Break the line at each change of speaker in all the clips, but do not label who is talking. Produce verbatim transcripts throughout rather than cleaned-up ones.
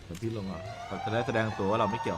เหมือนที่ลงอ่ะเขาจะได้แสดงตัวว่าเราไม่เกี่ยว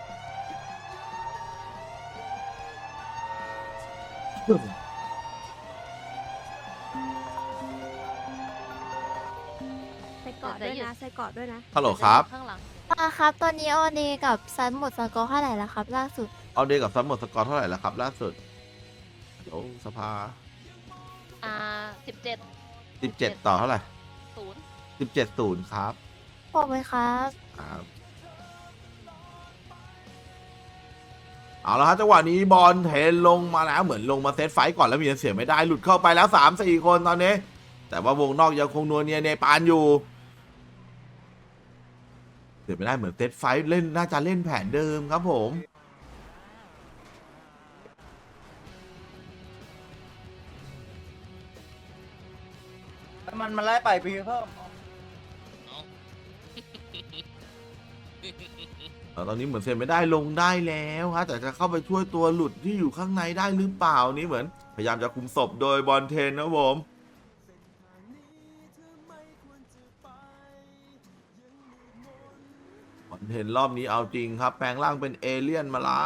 ใส่เกาะด้วยนะใส่เกาะด้วยนะ
ฮัลโหลครับ
ข้างหลัง
อ่าครับตอนนี้ออเดย์กับซันหมดสกอร์เท่าไหร่แล้วครับล่าสุด
เอาเดย์กับซัมหมดสกอร์เท่าไหร่แล้วครับล่าสุดเดี๋ยวสภา
อ่าสิบเจ็ด
สิบเจ็ดต่อเท่าไหร่
ศูนย์
สิบเจ็ดศูนย์ครับ
บอกไหมครับ
ครับเอาละครับจังหวะนี้บอลเทนลงมาแล้วเหมือนลงมาเซตไฟต์ก่อนแล้วมีเสียไม่ได้หลุดเข้าไปแล้ว สาม สี่ คนตอนนี้ แต่ว่าวงนอกยังคงนัวเนียเนปาลอยู่เสียไม่ได้เหมือนเซตไฟต์เล่นน่าจะเล่นแผนเดิมครับผม
มันมันไล่ไปพีเพิ่ม
ตอนนี้เหมือนเซ็นไม่ได้ลงได้แล้วฮะแต่จะเข้าไปช่วยตัวหลุดที่อยู่ข้างในได้หรือเปล่านี่เหมือน พยายามจะคุมศพโดยบอลเทนนะผมบอลเทนรอบนี้เอาจริงครับ แปลงร่างเป็นเอเลี่ยนมาแล้ว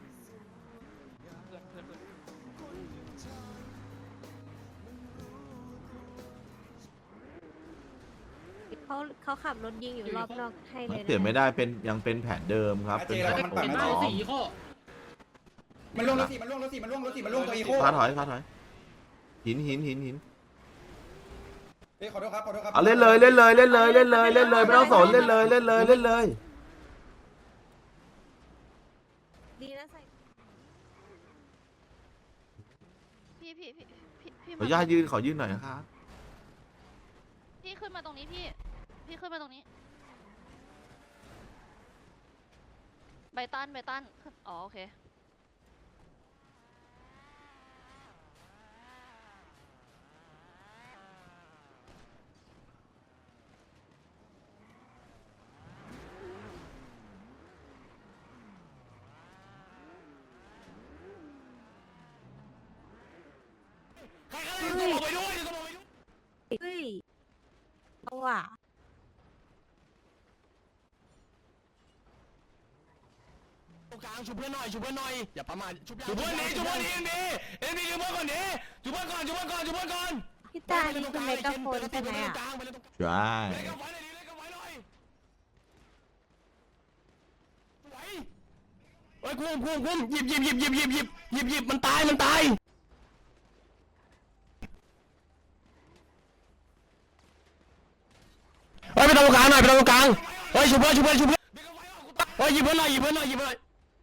เขาเขาขับรถยิงอยู่รอบนอกให้เลยนะ
เปลี่ยนไม่ได้เป็นยังเป็นแผนเดิมครับเป็นแผนโอมล้อม
มันล่วงรถสี่มันล่วงรถสี่มันล่วงรถสี่มันล่วงตัวอีโค
พาถอยพาถอยหินหินหินหิน
เฮ้ยขอโทษครับขอโทษครับ
เอาเล่นเลยเล่นเลยเล่นเลยเล่นเลยเล่นเลยไม่ต้องสนเล่นเลยเล่นเลยเล่นเลย
ดีนะใส่
พี่พี่พี่พี่พี่
ขออนุญาตยืนขอยืนหน่อยนะครับ
พี่ขึ้นมาตรงนี้พี่ พี่ขึ้นมาตรงนี้ ใบตันใบตันขึ้นอ๋อโอเค
เฮ้ยเอาว่ะ
กลางชุบเพื่อนหน่อยชุบเพื่อนหน่อยอย่าประมาทชุบชุบเพื่อนนี้ชุบเพื่อนนี้เอ็นดีเอ็นดีชุบเพื่อนก่อนนี้ชุบเพื่อนก่อนชุบเพื่อนก่อนชุบเพื่อนก่อน
พี่ตานี่คือเมกะโฟนใช่ไหมอ่ะ
ใช่
เล่นกับไฟหน่อยดิเล่นกับไฟหน่อยไหวเฮ้ยคุ้มคุ้มคุ้มหยิบหยิบหยิบหยิบหยิบหยิบหยิบหยิบมันตายมันตายเฮ้ยไปตรงกลางหน่อยไปตรงกลางเฮ้ยชุบเพื่อนชุบเพื่อนชุบเพื่อนเฮ้ยหยิบเพื่อนหน่อยหยิบเพื่อนหน่อยหยิบเพื่อนหน่อย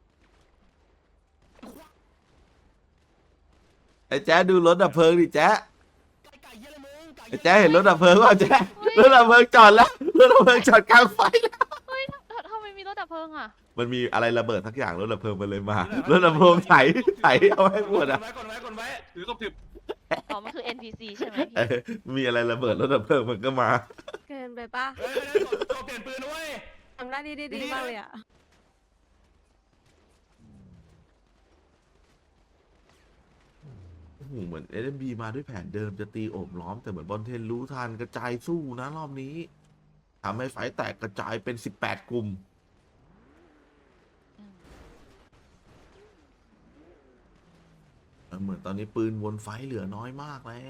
ไอ้แจ๊ดดูรถดับเพลิงดิแจ๊ดไอ้แจ๊ดเห็นรถดับเพลิงว่าแจ๊ดรถดับเพลิงจอดแล้วรถดับเพลิงจอดกลางไฟแล้ว
เฮ้ยทำทำไมมีรถดับเพลิงอ่ะ
มันมีอะไรระเบิดสักอย่างรถดับเพลิงมันเลยมารถดับเพลิงไถไถเอาให้หมดอ่ะ
กดไว้กดไว้กดไว้ถือศพถือ
อ๋อ มันคือ เอ็น พี ซี ใช่ไหม
เอ
พี่
อมีอะไรระเบิดรถดับเพลิงมันก็มา
เกินไปปะ
เฮ้ยศพเปลี่ยนปืนนะเว้ย
ทำได้ดีดีมากเลยอ่ะ
โอ้โหเหมือนเอ็มบีมาด้วยแผนเดิมจะตีโอบล้อมแต่เหมือนบอลเทนรู้ทันกระจายสู้นะรอบนี้ทำให้ไฟแตกกระจายเป็นสิบแปดกลุ่มเหมือนตอนนี้ปืนวนไฟเหลือน้อยมากแล้ว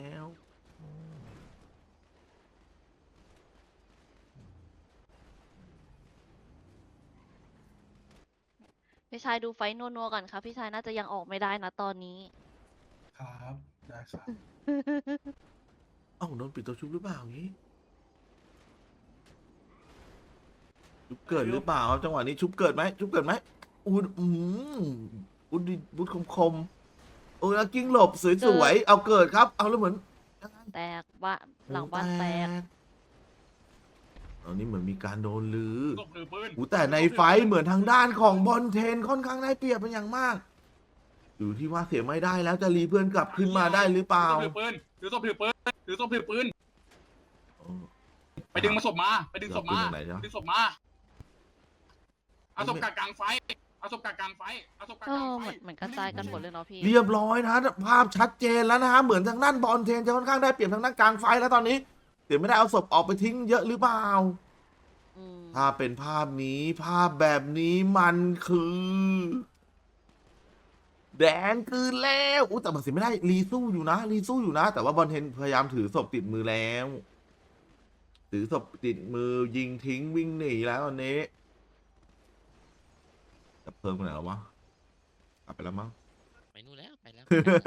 พี่ชายดูไฟท์นัวๆก่อนครับ พี่ชายน่าจะยังออกไม่ได้นะตอนนี้
ครับได้ครับ
เอ้าโดนปิดตัวชุบหรือเปล่าอย่างนี้ชุบเกิดหรือเปล่าครับจังหวะนี้ชุบเกิดไหมชุบเกิดไหมอูดอืมอูดดิบูดคมคมๆโอ้ยแล้วกิ้งหลบสวยๆเอาเกิดครับ เอาแล้วเหมือน
แตกบ้านหลังบ้านแตก
ตอนนี้เหมือนมีการโดนลือ
ศพถือปืน
อูแต่ในไฟท์เหมือนทางด้านของบอลเทนค่อนข้างได้เปรียบเป็นอย่างมาก อยู่ที่ว่าเสียไม่ได้แล้วจะรีเพื่อนกลับขึ้นมาได้หรือเปล่า
ถือปืนถือศพถือปืนถือศพถือปืน
โอ้
ไปดึงมาศพมาไปดึงศพมา
เอาปืนจากไหนจ๊ะ
ดึงศพมาเอาศพกลางไฟเอาศพกลางไฟเอาศพก
เอ
ลาง
อ
ไฟ
เหมือนเหมือนกระจายกันหมดเลยเนาะพี่
เรียบร้อยนะภาพชัดเจนแล้วนะฮะเหมือนทางด้านบอลเทนจะค่อนข้างได้เปรียบทางด้านกลางไฟท์แล้วตอนนี้เสียไม่ได้เอาศพออกไปทิ้งเยอะหรือเปล่า
อืม
ถ้าเป็นภาพนี้ภาพแบบนี้มันคือ แดงคืนแล้วอู้แต่มันเสียไม่ได้รีสู้อยู่นะรีสู้อยู่นะ แต่ว่าบอลเทนพยายามถือศพติดมือแล้ว ถือศพติดมือยิงทิ้งวิ่งหนีแล้วตอนนี้จะเพิ่มไปไหนแล้ววะกลับไปแล้วมั้ง
ไปนู่นแล้วไปแล้ว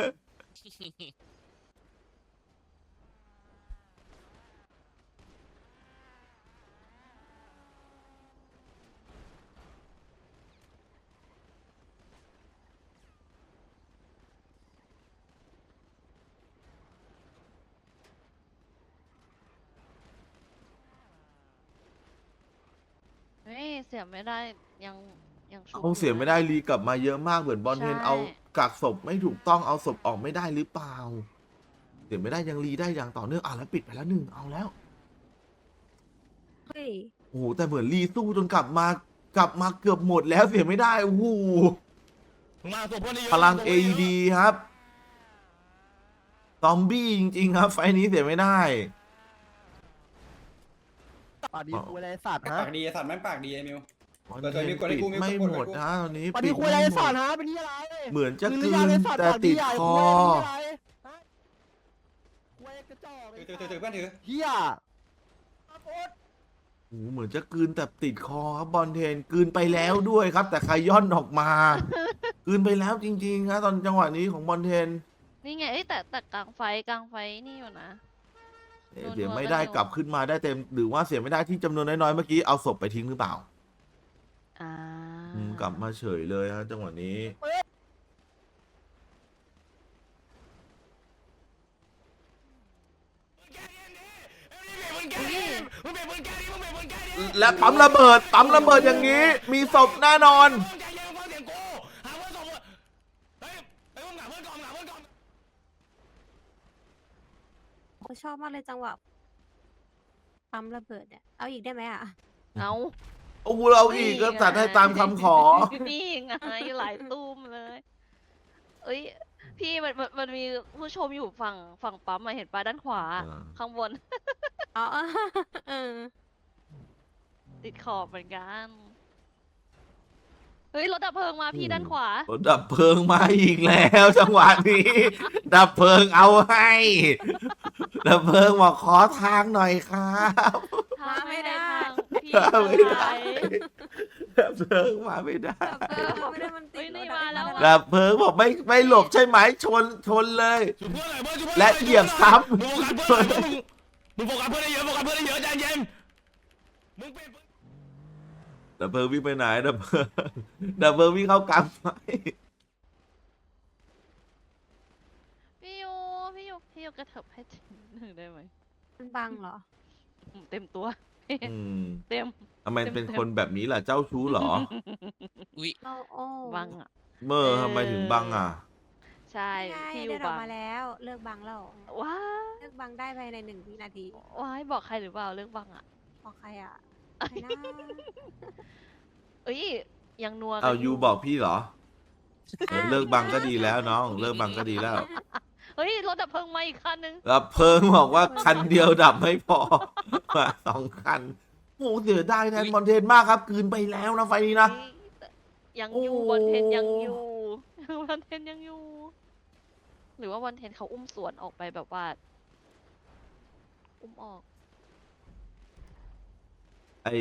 เฮ้ยเสียไม่ได้ยังยังชุบ
เอาเสียไม่ได้รีกลับมาเยอะมากเหมือนบอลเทน
ใช่
เอากักศพไม่ถูกต้องเอาศพออกไม่ได้หรือเปล่าเสียไม่ได้ยังรีได้อย่างต่อเนื่องอ่ะแล้วปิดไปแล้วหนึ่งเอาแล้ว
เฮ้ย
โอ้โหแต่เหมือนรีสู้จนกลับมากลับมาเกือบหมดแล้วเสียไม่ได้โอ้โห
มึงมาตัวเพื่อนเยอะ
พลัง
ตัว
เอ
พื่นยะ
ดีครับซอมบี้จริงๆครับ ไฟล์นี้เสียไม่ได้
ปากดีคุยอะไรสัตว์ฮะ
ปากดีไอ้สัตว์แม่งปากดีไอ้มิว
บอล
เดี๋ยว
เทน
เดี๋ยวมีกดให้
ปิด
กูมี
ไม่
กดให้กู
หมดนะตอนนี้
ปากดี
ปิด
คุยอะไร
ไม่หม
สัต
ด
ว์ฮะเป็นที่อะไร
เหมือนจะ
มึง
กลื
เรีย
น
ไอ้สัตว์
แต่
ปากดี
ติด
ใหญ่
คอ
คุยกระจอก
ถือถือถือถือเพื่อนถือ
เฮีย
โอ้โหเหมือนจะกลืนแต่ติดคอครับบอลเทนกลืนไปแล้วด้วยครับ แต่ใครย่อนออกมากลืนไปแล้วจริงๆครับตอนจังหวะนี้ของบอลเทน
นี่ไงเอ้ยแต่แต่กลางไฟกลางไฟนี่อยู่นะ
เอ๊ะ
โดน
เสีย
โดน
ไม่ได้
ก็โดน
กลับขึ้นมาได้เต็ม หรือว่าเสียไม่ได้ที่จำนวนน้อยๆเมื่อกี้เอาศพไปทิ้งหรือเปล่า
อ่า
อืมกลับมาเฉยเลยฮะจังหวะนี้
มึงแก้ดิมึงเป็นมึงแก้ดิมึงเป็นมึงแก้ดิ
และปั๊มระเบิดปั๊มระเบิดอย่างนี้ มีศพแน่นอน
ใจเย็นฟังเสียงกูหาเพื่อนสองคนเฮ้ยเฮ้ยมึงหาเพื่อนก่อนหาเพื่อนก่อน
ผมชอบมากเลยจังหวะปั๊มระเบิดเนี่ยเอาอีกได้ไหมอ่ะ
เอา
โอ้โหเราอีกก็จัดให้ตามคำขอ
นี่ไงหลายตุ้มเลย เอ้ย พี่มันมันมันมีผู้ชมอยู่ฝั่งฝั่งปั๊มมาเห็นปะด้านขวา
อ่า
ข้างบน
อ๋อเออ
ติดขอบเหมือนกัน เฮ้ยรถดับเพลิงมาพี่ด้านขวา
ดับเพลิงมาอีกแล้ว จังหวะนี้ ดับเพลิงเอาให้ ดับเพลิงบอกขอทางหน่อยครับ
ทางไม่ได้ทางพี่
ทางไม่ได้
ทาง
ดับเพลิงมาไม่ได้
ดับเพลิงไม่ได้มันติ
เฮ้
ด
ยนี่
รถอะ
มาแล้วอะ
ดับเพลิงบอกไม่ไม่หลบใช่ไหมชนชนเลย
จุดเพื่อนหน่อยเพื่อนจุดเพื่อน
และเหยียบซ้ำ
มึงโฟกัสเพื่อนหน่อยมึงมึงโฟกัสเพื่อนได้เยอะโฟกัสเพื่อนได้เยอะใจเย็นมึงเป็น
ดับเพลิงวิ่งไปไหนดับเพลิงดับเพลิงวิ่งเข้ากลางไฟ
พี่ยูพี่ยูพี่ยูกระเถิบให้ถึงหนึ่งได้ไหม
มันบังเหรอ
อืมเต็มตัว
อืม
เต็ม
ทำไมเป็นคนแบบนี้ล่ะเจ้าชู้เหรอ
อุ้ย
เราโอ้
บังอ่ะ
เมื่อทำไมถึงบังอ่ะ
ใช่
ใช่
พี่ยู
ได้ออ
บั
ก
ง
มาแล้ว เลิกบังแล้ว
ว้า
เลิกบังได้ภายในหนึ่งวินาที
ว้ายบอกใครหรือเปล่าเรื่องบังอ่ะ
บอกใครอ่ะใครนะ
เอ้ยยังนัวกัน
เอายูบอกพี่เหรอเออเลิกบังก็ดีแล้วน้อง เลิกบังก็ดีแล้ว
เฮ้ยรถดับเพลิงมาอีกคันนึง
ดับเพลิงบอกว่าคันเดียวดับไม่พอ มาสองคันโอ้เสียดายแทนมอนเทนมากครับกลืนไปแล้วนะไฟนี้นะ
เฮ้ยยังอยู่
โอ้
บนเทนยังอยู่ บนเทนยังอยู่ หรือว่าวันเทนเขาอุ้มสวนออกไปแบบว่า อุ้มออก
ไอ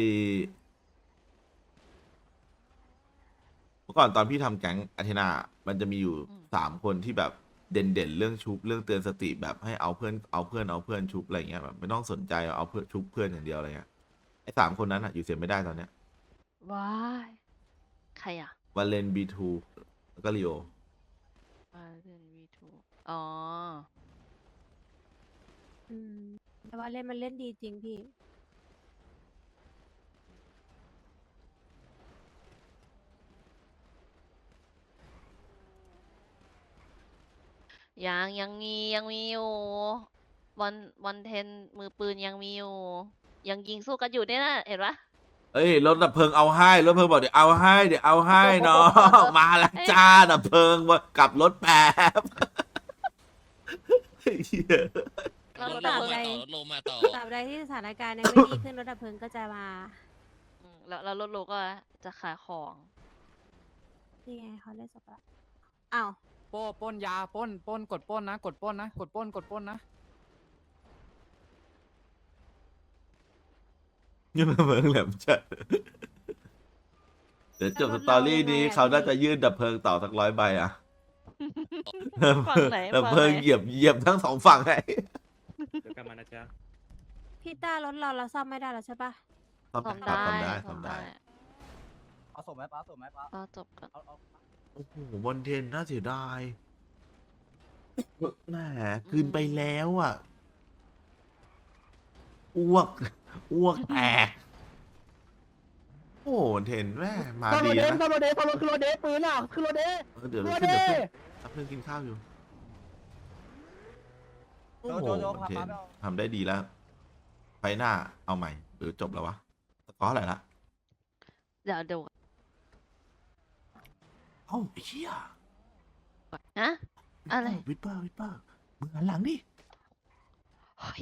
เมื่อก่อนตอนพี่ทำแก๊งอาเทนา มันจะมีอยู่
อืม
สามคนที่แบบเด่นๆเรื่องชุบเรื่องเตือนสติแบบให้เอาเพื่อนเอาเพื่อนเอาเพื่อนชุบอะไรเงี้ยแบบไม่ต้องสนใจเอาเพื่อนชุบเพื่อนอย่างเดียวอะไรเงี้ยไอสามคนนั้นอะอยู่เสียไม่ได้ตอนเนี้ย
ว้าย ใครอ่ะ
วาเลนบีทูแล้วก็ลีโอ
มาเรื่องวีทูอ๋อ
อืมแต่ว่าเล่นมันเล่นดีจริงพี่
ยังยังมียังมีอยู่วันวันเทนมือปืนยังมีอยู่ ยังยิงสู้กันอยู่เนี่ยนะเห็นปะ
เอ้ยรถดับเพลิงเอาให้รถเพลิงบอกเดี๋ยวเอาให้เดี๋ยวเอาให้เนาะ มาแล้วจ้าดับเพลิงว่ากลับรถแป๊บ เหี้ย
เรา
ร
ร
ถ
ถ
ล
ดับ
ง
เพลิ
มาง ต่อรถลงมาต่อ
ตราบใดที่สถานการณ์ยังไม่ดีขึ้นรถดับเพลิงก็จะมา
อืแล้วรถโลก็จะขายของ
นี่ไงเขาเล่นสปะอ้าว
โป้ปล้นยาปล้นปล้นกดปล้นนะ กดปล้นนะ กดปล้นกดปล้นนะ
นี่มันเมืองแหลมจัดเดี๋ยวจบสตอรี่นี้เขาน่าจะยื่นดับเพลิงต่อสักร้อยใบอ่ะ
ฝั่งไหน
ดับ
ฝั่ง
เพลิง
ไหน
เหยียบเหยียบทั้งสองฝั่งไง
เดี๋ยวกลับมานะจ๊ะ
พี่ต้ารถเราเราซ่อมไม่ได้แล้วใช่ปะ
ซ่อม
ซ่อม
ได้
ได้
ซ่อมได้ซ่อมได้
เอาส่งไหมป้าส่งไหมป้า
ก็จบกัน
เอาเอา
โอ้โหบอลเทนน่าเสียดายแหมคืนไปแล้วอ่ะอ้วกอ้วกแตกโอ้โหบอลเทนแม่มา
ซ่อม
ดี
รถเด
นะ
ซ่อมรถเดซ่อมรถคือรถเดปืนอ่ะคือรถเด
เออเดี๋ยว
ร
เรา
ถ
ขึ้น
เด
เดี๋ยวขึ้นรับเพื่อนกินข้าวอยู่โอ้โห
โจโจ
บอลเทน
พาไปเอา
ทำได้ดีแล้วไฟหน้าเอาใหม่หรือจบแล้ววะสกอร์อะไรละ
เดี๋ยวเดี๋ยว
เอ้าไอ้เหี้ย
ฮะ อะไร
วิปเปอร์วิปเปอร์มึงหันหลังดิ
เฮ้ย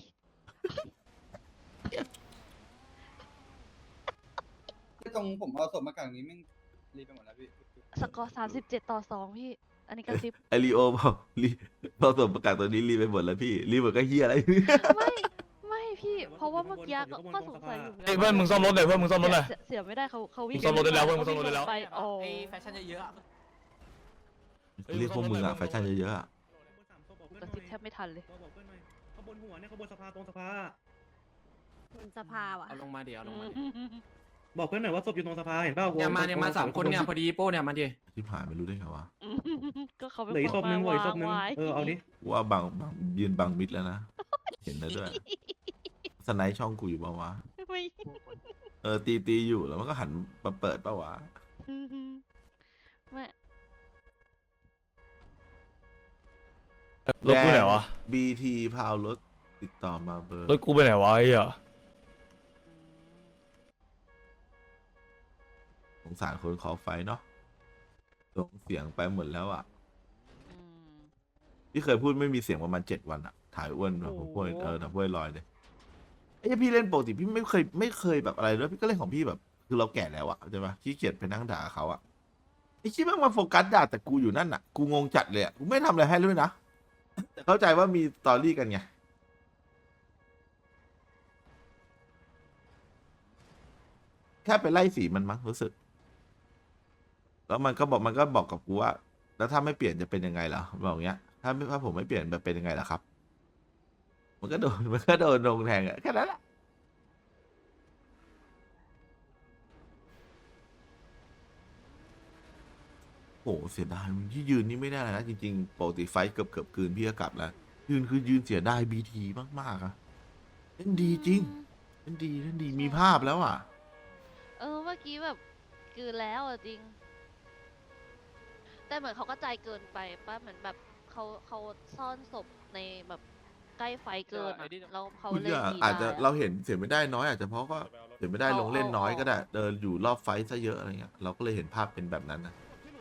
ตรงผมเอาศพมากลางนี้แม่งรีบไปหมดแล้วพี่
สกอร์สามสิบเจ็ดต่อสองพี่ อันนี้กระซิบ
ไอรีโอบอกรีพอส่งประกาศตัวนี้รีบไปหมดแล้วพี่รีบหมดก็เฮียอะไร
ไม่ ไม่พี่ เพราะว่าเมื่อกี้ก็ก็สงสัยอยู่ไง
เฮ้ยเพื่อนมึงซ่อมรถหน่อยเพื่อนมึงซ่อมรถหน่อย
เสียเสียไม่ได้เขาเขาวิ่ง
มึงซ่อมรถได้แล้วเว้ยมึงซ่อมรถได้แล้ว
ไปโอ้
ไอ้แฟชั่นเยอะๆอะ
เรียกพวกมึงอะแฟชั่นเยอะๆอะ
กระซิบแทบไม่ทันเลย
บอกเพื่อนหน่อยข้างบนหัวเนี่ยข้างบนสภาตรงสภา
บนสภาว่ะ
เอาลงมาเดี๋ยวเอาลงมาดิ
บอกเพื่อนหน่อยว่าศพอยู่ตรงสภาเห็นเปล่า
เนี่ยมาเนี่ยมาสามคนเนี่ยพอดีโป้เนี่ยมาดิ
ที่ผ่านไม่รู้ได้ไงวะ
ก็เขาเป็น
เหลืออีกศพหนึงเหลืออีกศพหนึง
วางไว้
เออเอาดิ
ว่าบังบังยืนบังมิดแล้วนะเห็นแล้วด้วยสไนป์ช่องกูอยู่ปะวะ
ไม่
เออตีตีอยู่แล้วมันก็หันมาเปิดปะวะ
ไม่
รถกูไหนวะ
บีทีพาวรถติดต่อมาเบอร์
รถกูไปไหนวะไอ้เหี้ย
สงสารคนขอไฟเนาะส่งเสียงไปหมดแล้วอ่ะ
อืม
พี่เคยพูดไม่มีเสียงประมาณเจ็ดวันอะถ่ายอ้วนแบบพวกเออแต่พวกลอยเลยไอ้พี่เล่นปกติพี่ไม่เคยไม่เคยแบบอะไรเลยพี่ก็เล่นของพี่แบบ คือเราแก่แล้วอะใช่ปะขี้เกียจไปนั่งด่าเขาอะไอ้ชี้แม่งมาโฟกัสด่าแต่กูอยู่นั่นอะกูงงจัดเลยอะกูไม่ทำอะไรให้เลยนะแต่เข้าใจว่ามีสตอรี่กันไงแค่ไปไล่สีมันมั้งรู้สึก แล้วมันก็บอกมันก็บอกกับกูว่า แล้วถ้าไม่เปลี่ยนจะเป็นยังไงล่ะบอกอย่างเงี้ย ถ้าไม่ถ้าผมไม่เปลี่ยนมันเป็นยังไงล่ะครับ มันก็โดน มันก็โดนลงแทงอะแค่นั้นแหละโอ้เสียดายมันที่ยืนนี่ไม่ได้เลยนะจริงๆปกติไฟท์เกือบเกือบคืนพี่ก็กลับแล้ว ยืนคือยืนเสียดายบีทีมากๆอะเล่นดีจริงเล่นดีเล่นดีมีภาพแล้วอ่ะ
เออเมื่อกี้แบบกลืนแล้วอะจริง แต่เหมือนเขาก็ใจเกินไปป่ะเหมือนแบบเขาเขาซ่อนศพในแบบใกล้ไฟเกินอะแล้วเขา
คุณ
เลย
ก็
ดี
อาจจะ
ได้
เราเห็นเสียไม่ได้น้อยอาจจะเพราะก็เสียไม่ได้ลงเล่นน้อยก็ได้ เดินอยู่รอบไฟท์ซะเยอะอะไรเงี้ยเราก็เลยเห็นภาพเป็นแบบนั้นนะ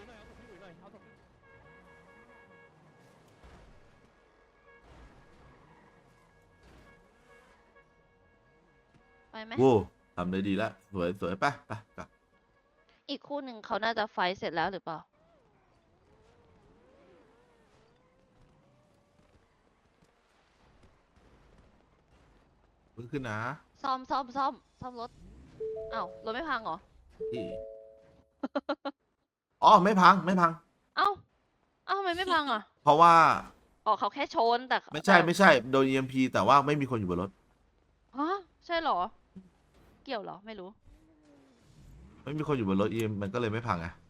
ไปไหม
โว้ทำได้ดีแล้วสวยสวยไปไปกลับ
อีกคู่หนึ่งเขาน่าจะไฟท์เสร็จแล้วหรือเปล่า
เพิ่งขึ้นนะ
ซ่อมซ่อมซ่อมซ่อมรถอ้าวรถไม่พังเหรอ
พี่ อ๋อไม่พังไม่พัง
เอ้าเอ้าทำไมไม่พังอ่ะ
เพราะว่า
อ๋อเขาแค่ชนแต่
ไม่ใช่
แต่
ไม่ใช่โดน อี เอ็ม พี แต่ว่าไม่มีคนอยู่บนรถ
ฮะใช่เหรอ เกี่ยวเหรอไม่รู้
ไม่มีคนอยู่บนรถ อี เอ็ม มันก็เลยไม่พังไง